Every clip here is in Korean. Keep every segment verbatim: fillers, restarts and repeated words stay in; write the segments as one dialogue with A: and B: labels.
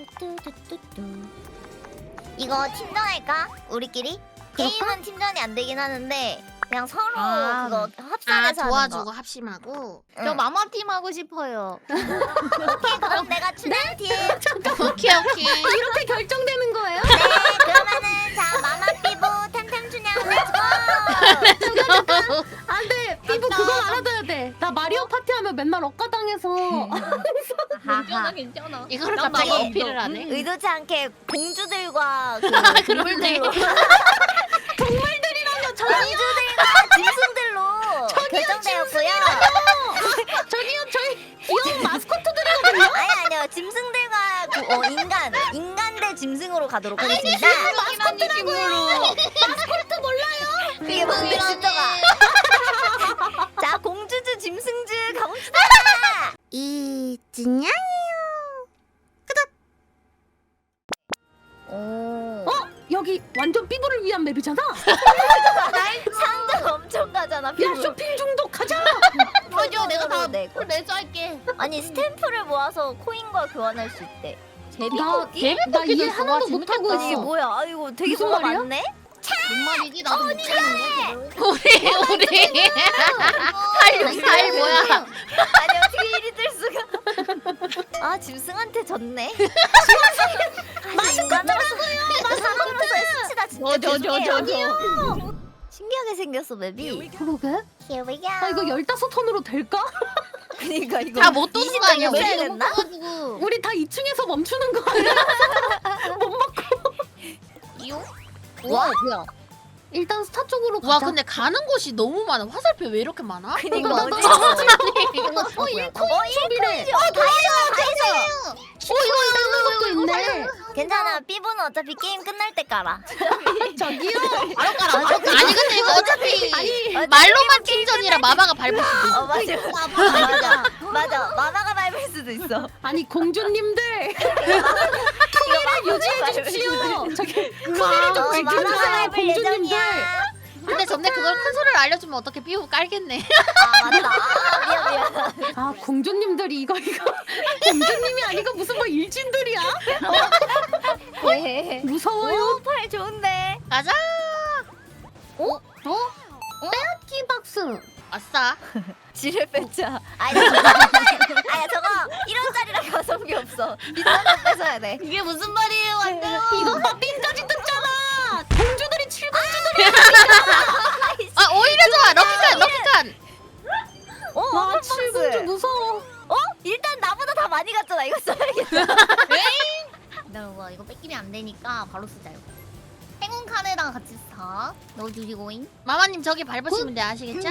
A: 이거 팀전할까? 우리끼리? 게임은 팀전이 안 되긴 하는데 그냥 서로
B: 아,
A: 그거
C: 아
A: 합산해서 하는
C: 도와주고
A: 거.
C: 합심하고.
A: 응.
B: 저 마마팀 하고 싶어요.
A: 오케이 그럼 내가 추천팀. 네
C: 오케이 오케이.
B: 이렇게 결정되는 거예요?
A: 그러면은 자 마마 삐부 템템춘향 렛츠고.
B: 안돼 피부 그건 알아둬야 돼. 나 마리오 파티 하면 맨날 억가당해서.
A: 하하.
B: 괜찮아.
C: 이거를
B: 난
C: 갑자기
A: 나도
C: 어필을 하네.
A: 의도치 않게 공주들과 그
C: 그러네.
A: 동물들로
B: 동물들이라뇨 저
A: 공주들과 짐승들로 결정되었고요.
B: 저기요 저희 귀여운 마스코트들이거든요.
A: 아니 아니요 짐승들과 그, 어, 인간 인간 대 짐승으로 가도록 하겠습니다.
B: 마스코트라고요. 마스코트 몰라요?
A: 그게 뭔데 진짜가. 자 공주주 짐승주 가봅시다.
C: 이진양이요.
A: 오.
B: 어? 여기 완전 피부를 위한 맵이잖아.
A: 상점 엄청 가잖아.
B: 야
A: 피부.
B: 쇼핑 중독 가자.
A: 맞아 내가 다 내고.
B: 내줘 할게.
A: 아니 스탬프를 모아서 코인과 교환할 수 있대. 제비뽑기?
B: 나, 나 이해 하나도 못하고
A: 아니 이게
B: 있어.
A: 뭐야? 아 이거 되게
B: 무슨
A: 뭐가
B: 말이야?
A: 많네?
B: 뭔 말이지? 나도 못 찾는데.
C: 우리 우리 팔육사일 뭐야?
A: 아니 어떻게 일이 될 수가? 아 짐승한테 졌네. 마스코트라고요. 사람으로서의 수치다 진짜.
B: 저, 저, 저, 저,
A: 죄송해요. 신기하게 생겼어 맵이.
B: 그러게.
A: Here we go.
B: 아 이거 열다섯 턴으로 될까?
A: 그러니까 이거
C: 다 못 도는 거 아니야?
A: 이십
C: 우리
A: 턴 됐나?
B: 우리 다 이 층에서 멈추는 거 아니야? 못 먹고.
A: 와 뭐야?
B: 일단 스타 쪽으로 가자.
C: 와 근데 가는 곳이 너무 많아. 화살표 왜 이렇게 많아?
A: 그니까
B: 나, 나,
A: 어디?
B: 나,
A: 어 일 코인이래. 어 다이소 다이소.
B: 어 이거 이거 것도 있네.
A: 괜찮아. 삐부는 어차피 게임 끝날 때 깔아.
B: 저기요.
C: 바로 깔아. 아니 근데 이거 어차피
B: 아니
C: 말로만 팀전이라 마마가 밟을 수도 있어.
A: 어 맞아. 맞아. 맞아. 마마가 밟을 수도 있어.
B: 아니 공주님들 품위를 유지해 주십시오. 저기 품위를 좀
A: 어, 마마가
B: 지켜주세요
A: 밟을
B: 공주님들.
A: 예정이야.
C: 근데 전에 그걸 큰 소리를 알려주면 어떻게 삐우 깔겠네.
A: 아 맞다. 아, 미안 미안.
B: 아 공주님들이 이거 이거 공주님이 아니고 무슨 뭐 일진들이야?
A: 네.
B: 무서워요.
A: 팔 좋은데.
C: 가자.
B: 어? 어? 빼앗기 박스.
C: 아싸.
A: 지뢰 뺐자. 아니 저거 아니 저거 일 원짜리라 가성비 없어. 비싼 거 뺏어야 돼.
B: 이게 무슨 말이에요 완전. 이거 봐 핀까지 뜯잖아. 공주들이 칠공주들이.
C: 아 오히려 좋아. 럭키칸 럭키칸.
A: 어,
B: 와
A: 한 박스.
B: 칠공주 무서워.
A: 어? 일단 나보다 다 많이 갔잖아. 이거 써야겠다.
B: 기다려봐 이거 뺏기면 안 되니까 바로 쓰자 이거. 행운 칸에다가 같이 사 넣어주시고잉.
C: 마마님 저기 밟으시면 돼 아시겠죠?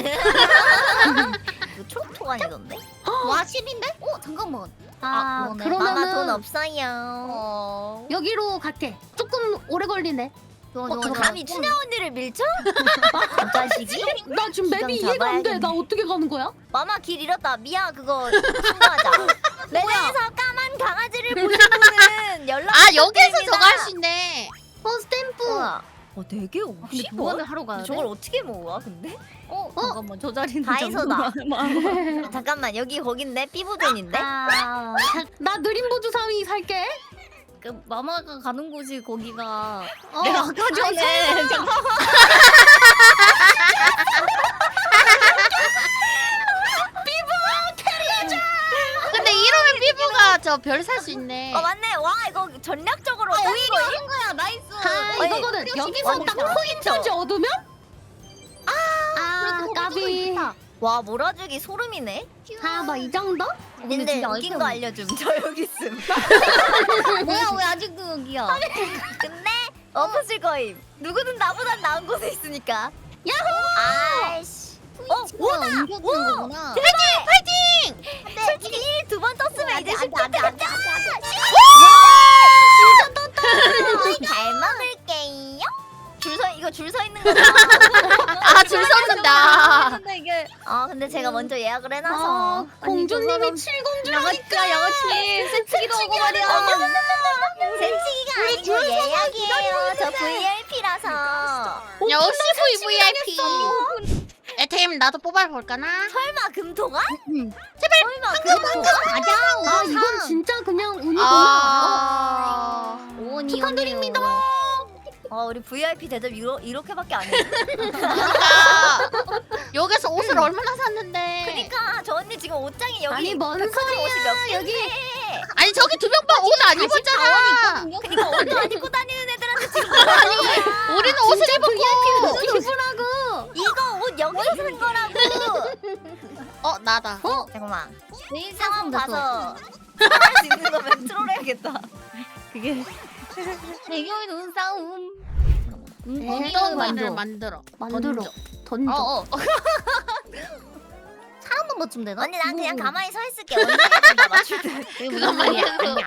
A: 이거 초록초간이던데?
B: 와 십인데? 어 잠깐만.
A: 아,
B: 그러네.
A: 마마 돈
B: 그러면은
A: 없어요.
B: 어... 여기로 갈게. 조금 오래 걸리네. 좋아,
A: 어,
B: 좋아,
A: 감히
B: 좋아.
A: 춘향 언니를 밀쳐? 자식이?
B: 나 지금 맵이
A: 기강
B: 이해가 안 돼.
A: 잡아야겠네.
B: 나 어떻게 가는 거야?
A: 마마 길 잃었다. 미야 그거 신고하자. 레드에서 까만 강아지를 보신 분은 연락.
C: 아 여기에서 저거 할 수 있네.
B: 어 스탬프.
A: 우와. 어 되게
B: 근데
A: 오십
B: 보관을
A: 원?
B: 하러 가야 돼?
A: 저걸 어떻게 모아 근데?
B: 어, 잠깐만 저 자리는
A: 다이소다.
B: 잠깐만.
A: 잠깐만 여기 거긴데 삐부존인데?
B: 아, 나 느린 보조 삼이 살게. 그 마마가 가는 곳이 거기가. 어, 내가 아까 전에.
C: 근데 이러면 삐부가 저 별 살 수 있네.
A: 어 맞네. 와 이거 전략적으로 짠
B: 오히려
A: 거임?
B: 하는 거야. 나이스. 아,
A: 아니,
B: 이거거든. 여기서
A: 완전
B: 딱 포인트까지 얻으면? 아,
A: 그래도
B: 까비.
A: 와 몰아주기 소름이네.
B: 아, 뭐 이 정도?
A: 근데 웃긴 거 알려줌. 저 여기 있음.
B: 뭐야, 왜 아직도 여기야?
A: 근데 엎어질 거임. 누구든 나보단 나은 곳에 있으니까.
B: 야호!
A: 아이씨. 어 오다.
B: 옮겨주는
A: 오.
B: 거구나.
A: 파이팅!
C: 파이팅!
A: 근데 솔직히 일 두 번 떴으면 이제 십 점 됐다.
B: 진짜 떴다.
A: 잘 먹을게요. 줄 서 이거 줄 서 있는 거죠?
C: 아 줄 섰는다.
B: 근데 이게
A: 아 근데 제가 먼저 예약을 해놔서.
B: 아, 공주님이 칠공주라니까.
A: 양아치
B: 세치기도 하고 말이야.
A: 센치기가 아니고 예약이에요. 저 브이아이피라서.
C: 역시 브이브이아이피. 에템 나도 뽑아볼까나?
A: 설마 금토가?
B: 응.
A: 제발 설마 금토가?
B: 맞아. 아, 이건 진짜 그냥 운이구나.
C: 아
A: 우리 브이아이피 대접 이러, 이렇게밖에 안 해.
C: 그러니까 여기서 옷을 얼마나 샀는데.
A: 그러니까 저 언니 지금 옷장이 여기
B: 아니, 뭔
A: 백화점 옷이 몇
B: 소리야, 여기.
A: 개인데.
C: 아니 저기 두 명 봐 옷 안 입었잖아.
A: 그러니까 옷도 안 입고 다니는 애들한테 지금
C: 아니
A: 뭐야.
C: 우리는 옷을 입었고.
B: 기분하고.
A: 이거 옷 여기서 산 거라고.
C: 어 나다.
B: 어?
A: 잠깐만.
B: 내일
A: 상황
B: 상황
A: 봐서 할 수 있는 거면 트롤해야겠다.
B: 그게 배경이 눈싸움. 음,
C: 어떤
B: 만들어.
C: 말을 만들어.
B: 만들어. 던져.
C: 어어.
B: 사람만 맞추면 되나?
A: 언니 난 그냥 가만히 서 있을게. 언니가 다 맞출 때.
B: 그게
C: 그건 말이야.
B: 아니야.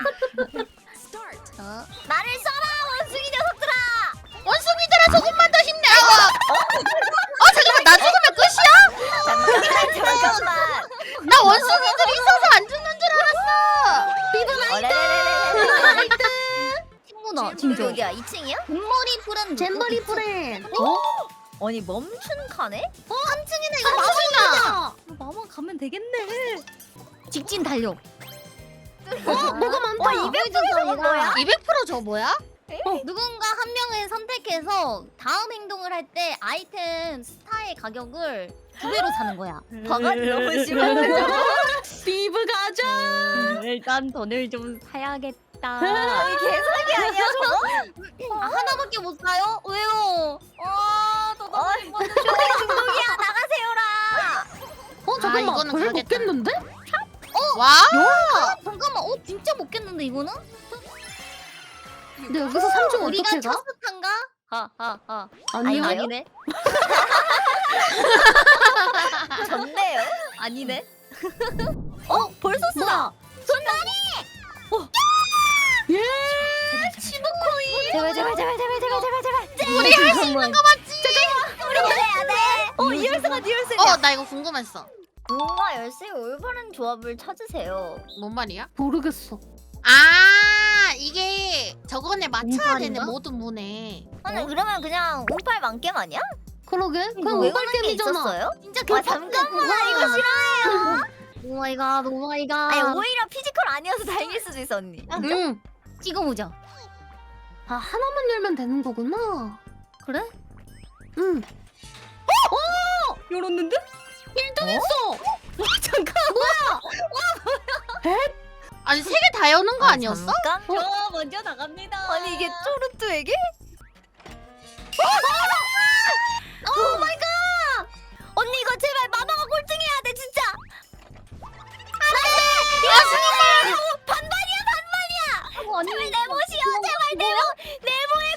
A: 나를 써라 원숭이 녀석들아.
C: 원숭이들아 조금만 더 힘내라고. 어 잠깐만 나 죽으면 끝이야?
A: 잠깐만 잠깐만.
C: 나 원숭이들이 있어서 안 죽는 줄 알았어.
A: 어레레레레.
B: 친구다.
A: 진짜 어디야? 이 층이야?
B: 잼버리 프렌드. 잼버리 프렌드.
A: 어? 아니 멈춘 칸에?
B: 어? 삼 층이네 이거
C: 삼층이다.
B: 마마 가면 되겠네. 직진 달려. 어? 뭐가 많다.
A: 어, 이백 퍼센트가 뭐야?
C: 이백 퍼센트 저 뭐야?
B: 어, 누군가 한 명을 선택해서 다음 행동을 할 때 아이템 스타의 가격을 두 배로 사는 거야.
A: 바가지 너무 심해.
B: 비브 가자. 일단 돈을 좀 사야겠다.
A: 아니 개사기 아니야 저거?
B: 아, 하나밖에 못 사요? 왜요? 아, 더
A: 어, 쇼핑 중독이야 나가세요라.
B: 어
C: 아, 이거는
B: 거의
C: 가겠다.
B: 먹겠는데?
C: 와.
B: 잠깐만, 어 진짜 먹겠는데 이거는? 근데 여기서 삼 중
A: 우리가
B: 어떻게 가?
A: 첫스탄가?
B: 하하하.
A: 아니요?
B: 아니네.
A: 졌네요.
B: 아니네.
A: 어 벌써 쓰다.
B: 예! 십오 코인.
A: 제발 제발 제발 제발 제발 제발 제발.
C: 우리 할 수 있는 거 맞지?
A: 우리 해야 돼. 어 이열쇠가 네 열쇠냐?
C: 어 나 이거 궁금했어.
A: 뭔가 열쇠 올바른 조합을 찾으세요.
C: 뭔 말이야?
B: 모르겠어.
C: 아 이게 저거네 맞춰야 되네
B: 운빨인가?
C: 모든 문에.
A: 아니 그러면 그냥 운빨 만겜 아니야?
B: 그러게? 그냥
A: 왜
B: 오발
A: 그런 게
B: 게임이잖아.
A: 있었어요?
B: 진짜
A: 아 잠깐만 이거 싫어해요.
B: 오 마이 갓, 오 마이 갓.
A: 아니 오히려 피지컬 아니어서 다행일 수도 있어 언니.
B: 응. 찍어보자. 아 하나만 열면 되는 거구나. 그래? 응. 어? 열었는데? 일 등 했어. 와 잠깐.
C: 아니 세 개 다 여는 거 아니었어?
A: 잠깐?
B: 저 먼저 나갑니다.
A: 아니 이게 쪼르뚜에게?
B: 오 마이 갓.
A: 언니 이거 제발 마마가 꼴등해야 돼 진짜. 반반이야 반반이야.
B: 어, 아니
A: 제발 내보시오 제발 내보 내보의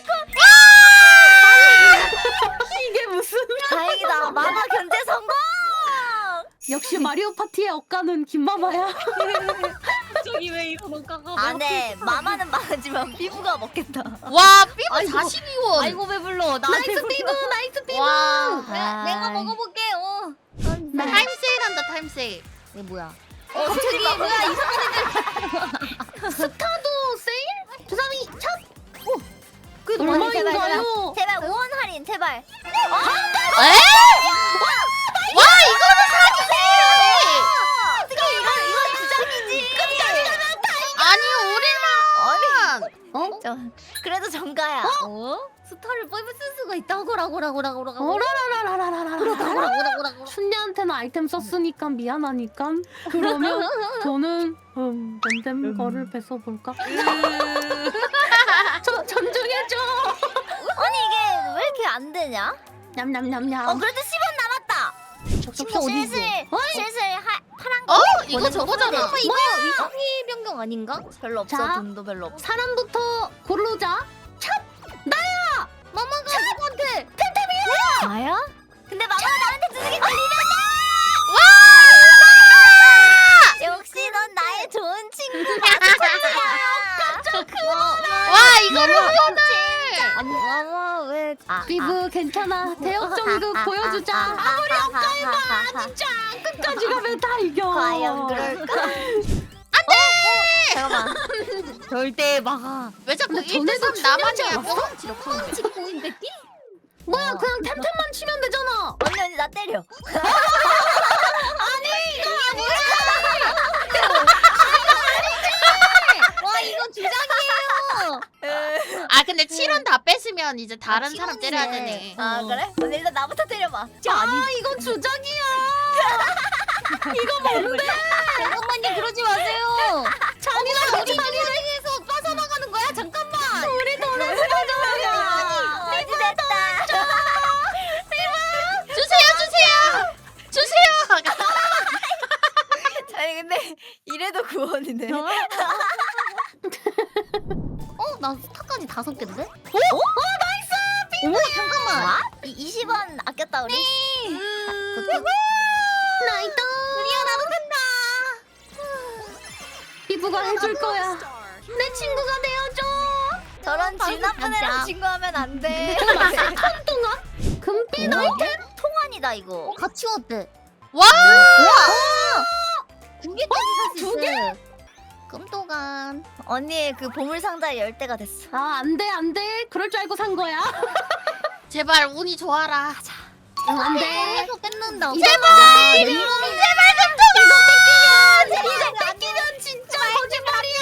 A: 코.
B: 이게 무슨?
A: 다행이다 마마 견제 성공.
B: 역시 마리오 파티의 억가는 김마마야. 저기 왜 이런 억가가?
A: 안해 마마는 망하지만 피부가 먹겠다.
C: 와 삐부
B: 아이고.
C: 사십이 원.
B: 아이고 배불러. 나이스 피부, 나이스 피부.
C: 와.
B: 내가, 내가 먹어볼게. 어.
C: 타임 세일한다 타임 세일.
B: 이게 뭐야?
A: 어 갑자기
B: 뭐야 이상한 애들. 스타도 세일? 주사위 첫. 오. 그게
A: 제발,
B: 얼마인가요?
A: 제발 오 원 할인 제발.
C: 에? 와 이거는 사기네.
A: 어떻게 이건 이건 주장이지. 끝까지 가면
C: 아니 우리만.
B: 어?
A: 저 그래도 정가야.
B: 어? 스타를 뽑을 수가 있다고라고라고라고라고. 어라라라라라라라라라라라라. 춘리한테는 아이템 썼으니까 미안하니까. 그러면 저는 음 뱀뱀 거를 뺏어볼까? 저 존중해줘.
A: 아니 이게 왜 이렇게 안 되냐?
B: 냠냠냠냠.
A: 어 그래도 십 원 남았다.
B: 접시 어디 있어?
A: 슬슬 슬슬 하, 파란 거.
C: 어 이거 저거잖아.
A: 어,
B: 이거 위치 변경 아닌가?
A: 별로 없어.
B: 자.
A: 돈도 별로 없어.
B: 사람부터 고르자. 찹! 나야! 마마가 누구한테?
A: 나야? 근데 마마가 나한테 주는 걸리면 역시 넌 나의 좋은 친구야.
C: 와 이거를 후원을.
A: 아니 마마 왜? 아,
B: 비브 괜찮아. 대역전극 보여주자.
A: 아무리
B: 엇갈봐. 진짜 끝까지 가면 다 이겨.
A: 과연 그럴까? 안돼. 잠깐만.
B: 절대 막아.
C: 왜 자꾸
B: 근데
C: 일 대 삼
B: 전에도
C: 나만이야?
B: 출연자
C: 뿅 지렸구나.
B: 찍고 있겠지? 뭐야 그냥 템템만 치면 되잖아.
A: 언니 언니 나 때려.
B: 와 이거 주장이에요.
C: 아 근데 칠 원 다 뺐으면 이제 다른
B: 칠
C: 사람
B: 원이네.
C: 때려야 되네.
A: 아 그래? 근데 일단 나부터 때려봐.
B: 아 이건 주작이야. 이거 뭔데? 잠깐만요 그러지 마세요. 잔이랑 우리 인생에서 빠져나가는 거야? 잠깐만. 우리 돈을 쓰러져요.
A: 어디 됐다.
C: 주세요, 주세요, 주세요.
A: 아니 근데 이래도 구원이네.
B: 어? 나 스타까지 다섯 개인데? 어? 어 나이스! 빙고 잠깐만.
A: 와? 이 이십 원 아꼈다 우리.
B: 나이스! 드디어 나도 간다. 피부가 해줄 거야. 내 친구가 되어줘.
A: 저런 질 나쁜 애랑 친구하면 안 돼.
B: 동안? 금빛
A: 어?
B: 아이템?
A: 통환이다 이거.
B: 같이 왔대.
C: 와!
B: 두 개까지 살수 있어. 두 개? 금도간.
A: 언니의 그 보물 상자의 열대가 됐어.
B: 아, 안 돼, 안 돼. 그럴 줄 알고 산 거야.
C: 제발 운이 좋아라.
B: 응, 안 돼. 이거 뺏는다.
C: 제발!
B: 제발 금도간! 이거 뺏기면, 이거 뺏기면 진짜 거짓말이야.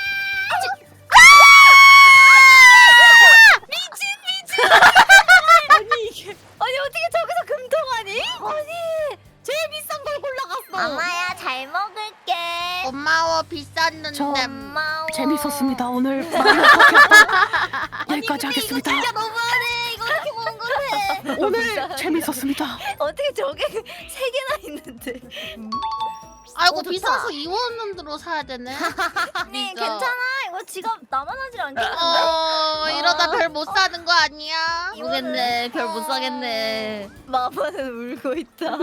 A: 아니 이게 아니 어떻게 저기서 금통하니? 아니
B: 제일 비싼 걸 골라갔어.
A: 엄마야 잘 먹을게.
C: 고마워, 비쌌는데.
D: 저-
A: 고마워.
D: 재밌었습니다. 오늘 마리오 파티 여기까지 하겠습니다.
A: 진짜 너무하네. 이거 어떻게 먹은 건데?
D: 오늘 재밌었습니다.
A: 어떻게 저게 세 개나 있는데?
C: 아이고,
A: 어, 좋다.
C: 비싸서 이 원으로 사야 되네.
A: 언니
C: 진짜.
A: 괜찮아. 이거 지갑 나만 하질 않겠는데?
C: 어, 이러다 별 못 사는 거 아니야?
B: 모르겠네. 별 못 사겠네.
A: 마마는 울고 있다.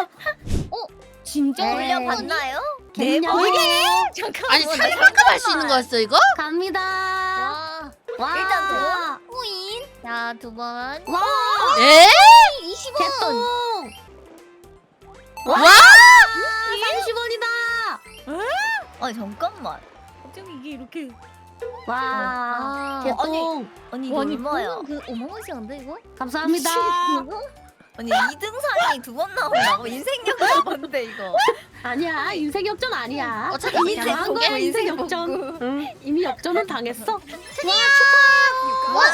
B: 진짜
A: 올려봤나요?
B: 네
A: 네
B: 번.
A: 번.
B: 잠깐만.
C: 아니, 살만큼 할 수 있는 거였어, 이거?
B: 갑니다. 와. 와.
A: 일단 두 번.
B: 후인. 자, 두 번.
A: 와.
C: 에?
B: 이십 원. 개돈.
C: 와!
B: 삼십 원이다.
A: 아니 잠깐만.
B: 어쩜 이게 이렇게.
A: 와.
B: 와.
A: 개똥. 언니 이거 얼마야?
B: 그 어마어마시한데 이거?
D: 감사합니다.
A: 언니 이 등 상이 두 번 나온다고? 인생 역전 뭔데 이거?
D: 아니야, 인생 역전 아니야.
C: 어, 잠깐만.
A: 인생
D: 당한
A: 복구,
D: 거야, 인생
A: 인생
D: 역전.
A: 복구.
D: 응, 이미 역전은 당했어.
C: 와,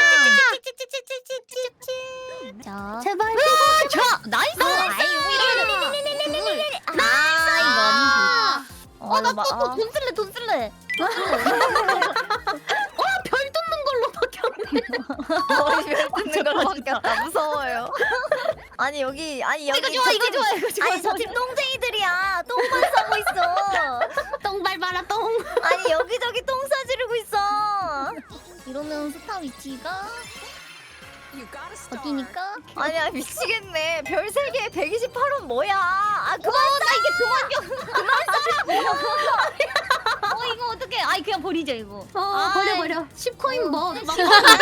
B: 자.
D: 제발.
B: 자, 나이스.
A: 아이
B: 아,
A: 어,
B: 나
A: 마-
B: 또
A: 아.
B: 돈 쓸래, 돈 쓸래.
D: 별 뜯는 걸로 바뀌었네.
A: 머리 별 뜯는 걸로 바뀌었다. 무서워요. 아니 여기 아니 여기
B: 이거 좋아,
A: 저
B: 이거
A: 팀-
B: 좋아, 이거 좋아.
A: 아니 저 팀 똥쟁이들이야. 똥만 싸고 있어.
D: 똥 밟아라, 똥.
A: 아니 여기저기 똥 싸지르고 있어.
B: 이러면 스타 위치가 어디니까?
A: 아니야 미치겠네. 별 세 개에 백이십팔 원 뭐야? 아 그만 싸. 이게 그만
B: 어 이거 어떡해? 아이 그냥 버리자 이거.
D: 어,
B: 아이.
D: 버려, 버려. 십 코인 뭐. 막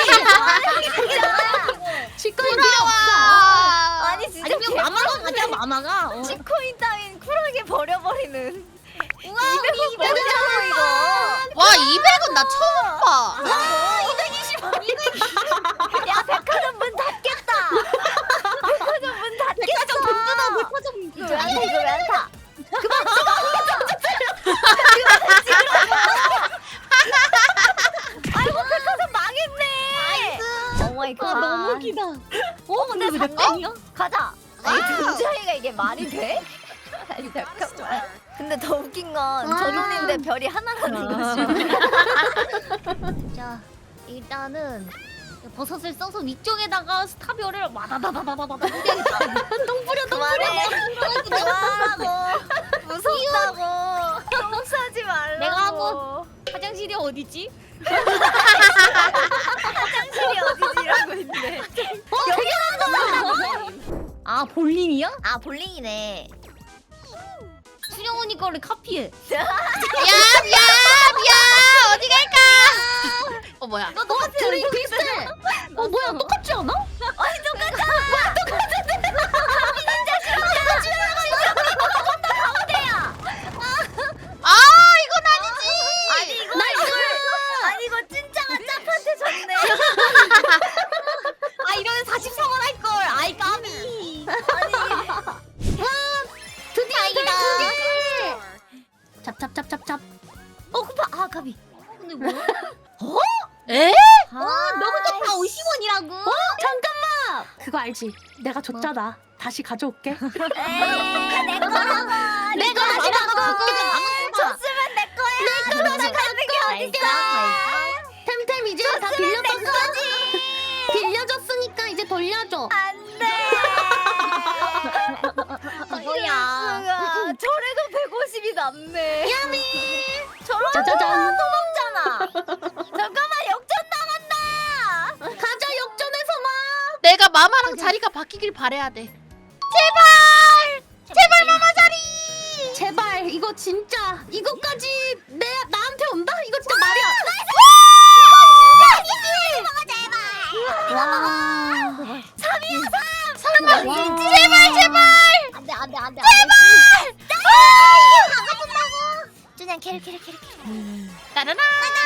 D: 십 코인 필요
C: 부러워.
A: 아, 아니 진짜
B: 아니 그냥 마마가 가자 마마가. 어.
A: 십 코인 따윈 쿨하게 버려버리는.
B: 우와
A: 이백 원 뭐냐고 이거.
C: 와, 이백은 나 처음 봐.
A: 야 백화점 문 닫겠다. 백화점 문 닫겠어.
B: 백화점 돈 뜯어 백화점
A: 이거 왜 안 타? 이거 왜 안 타? 아이고 백화점 망했네. 오 마이 갓.
B: 아 너무 웃기다. 어 근데 왜
A: 산
B: 내 땡이야?
A: 가자. 아니
C: 와우.
A: 등자리가 이게 말이 돼? 아니 잠깐만. 근데 더 웃긴 건 저 돈인데 별이 하나라는 거지.
B: 자 일단은 버섯을 써서 위쪽에다가 스타별을 와다다다다다다 뿌려야겠다. 똥 뿌려 똥
A: 그만해.
B: 뿌려.
A: 그만하고. 무섭다고. 똥 싸지 말라고.
B: 내가 하고. 화장실이 어디지?
A: 화장실이 어디지 이러고 있네.
B: 아 볼링이야?
A: 아 볼링이네.
B: 수영언니 거를 카피해.
C: 야, 야, 야, 어디 갈까? 어, 뭐야?
B: 너 똑같아. 둘이 비슷해.
D: 어, 뭐야, 똑같지 않아?
A: 아니 똑같아.
C: 아, 이건 아니지.
A: 아니 이거 아니 이거 찐짱한 짭한테 졌네.
B: 아 이러면 사십삼 원 할 걸. 아이 까비.
A: 드디어 이다.
D: 찹찹찹찹찹.
A: 어 쿠파 아 가비.
B: 근데 뭐야?
C: 에?
B: 아
D: 그거 알지? 내가 줬잖아. 다시 가져올게.
A: 에이 내 거라고.
B: 내가 다시 갖고 올게.
A: 줬으면 내 거야. 내 거 다시 가는 게 어딨어?
B: 템템 이제 다 빌려줬어. 빌려줬으니까 이제 돌려줘.
A: 안돼.
B: 뭐야?
A: 저래도 백오십이 남네.
B: 미안해.
A: 저런
D: 짜자잔.
A: 돈 없잖아. 잠깐만 역전 당한다.
B: 가자 역전해서 마.
C: 내가 마마랑 자리가 바뀌길 바래야 돼. 제발! 제발 마마 자리!
B: 제발 이거 진짜 이거까지 내 나한테 온다? 이거 진짜 말이야. 와.
A: 삼이야 삼.
C: 설마
B: 와.
C: 제발 제발!
B: 안돼 안돼 안돼.
C: 제발!
A: 그냥 캐리 캐리 캐리 캐리.
C: 따라라!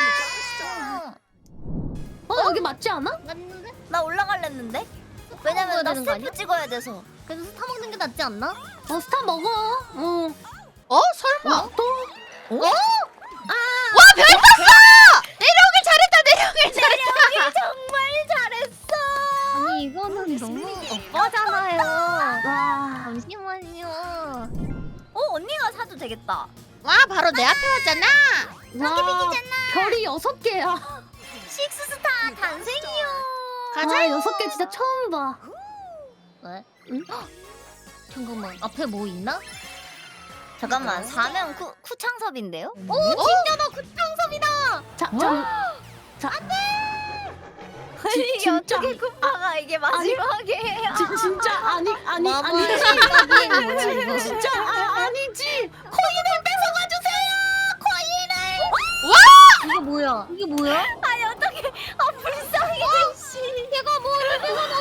B: 어 여기 맞지 않아?
A: 맞는데? 나 올라갈랬는데? 왜냐면 나
B: 되는 거 아니야?
A: 스탬프 찍어야 돼서.
B: 그래서 스타 먹는 게 낫지 않나? 어 스타 먹어. 어.
C: 어? 설마?
B: 또?
A: 어?
C: 와 별 떴어! 내려오길 잘했다 내려오길 잘했다!
A: 내려오기 정말 잘했어.
B: 아니 이거는 너무 오빠잖아요.
D: 와.
B: 잠시만요.
A: 어 언니가 사도 되겠다.
C: 와 바로 내 앞에 왔잖아!
B: 와 별이 여섯 개야.
A: 식스스타 탄생이요.
C: 가자!
B: 와 여섯 개 진짜 처음 봐. 왜? 응? 잠깐만 앞에 뭐 있나?
A: 잠깐만 사면 쿠 쿠창섭인데요?
B: 오 진짜다 구창섭이다.
D: 자, 자.
A: 아니 이게
D: 진짜.
A: 어떻게 쿠파가 이게 마지막에?
D: 지, 진짜 아니 아니
B: 마블
D: 아니지.
B: 생각이
D: 진짜 아, 아니지.
B: 코인을 뺏어가 주세요. 코인을.
C: 와!
B: 이게 뭐야? 이게 뭐야?
A: 아니 어떻게? 아 불쌍해. 씨.
B: 얘가 뭐를 뺏어가?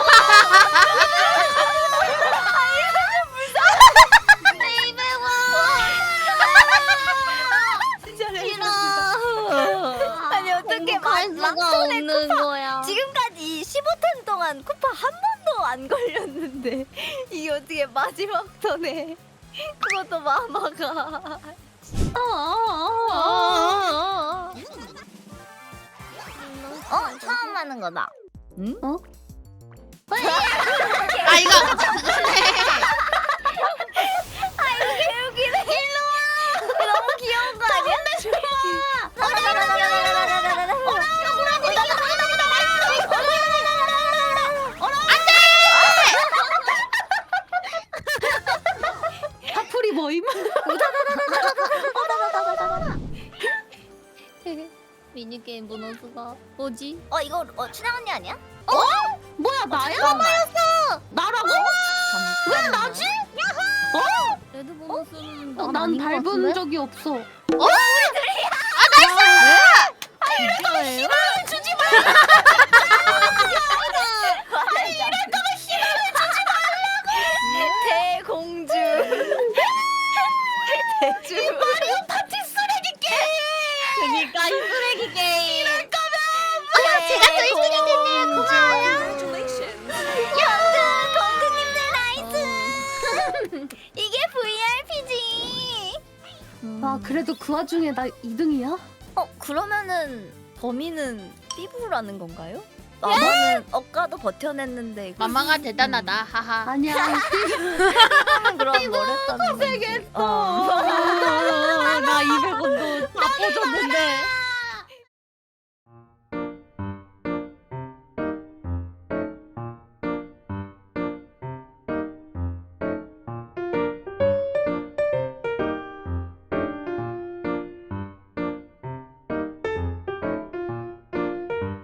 A: 진짜
B: 싫어.
A: 아니 어떻게
B: 행복할
A: 막
B: 수가
A: 손에
B: 없는
A: 쿠파
B: 거야.
A: 지금까지 십오 턴 동안 쿠파 한 번도 안 걸렸는데 이게 어떻게 마지막 턴에 그것도 마마가 어 처음 하는 거다. 응?
B: 어?
C: 아 이거
A: 아 이거 개웃기네. 일로 와. 너무 귀여운 거 아니야? 좋아.
D: 하풀이 뭐임?
B: 미니게임 보너스가 뭐지?
A: 어 이거 어 춘향 언니 아니야?
B: 뭐야 나야?
A: 잠깐만.
B: 나라고?
A: 왜 나지?
B: 레드 보너스는
D: 어,
B: 난
D: 난
B: 아닌 것
D: 밟은
B: 같은데?
D: 적이 없어.
B: 진짜예요?
A: 주지 마. 아니 이럴 거면 희망을 주지 말라고. 대공주. 대주. 이 마리오 파티 쓰레기 게임.
B: 그니까 이 쓰레기 게임.
A: 이럴 거면.
C: 아, 제가 또 일 등이 됐네요. 고마워요.
A: 연극 공주님들 나이스. 이게 브이아이피지.
D: 아 그래도 그 와중에 나 이 등이야?
A: 어 그러면은 범인은 삐부라는 건가요? 마마는 억가도 버텨냈는데 이거
C: 마마가 대단하다 하하.
D: 아니야.
A: 삐부는 그럼 뭘 했다는 거지? 어.
D: 나 이백 원도 다 퍼줬는데.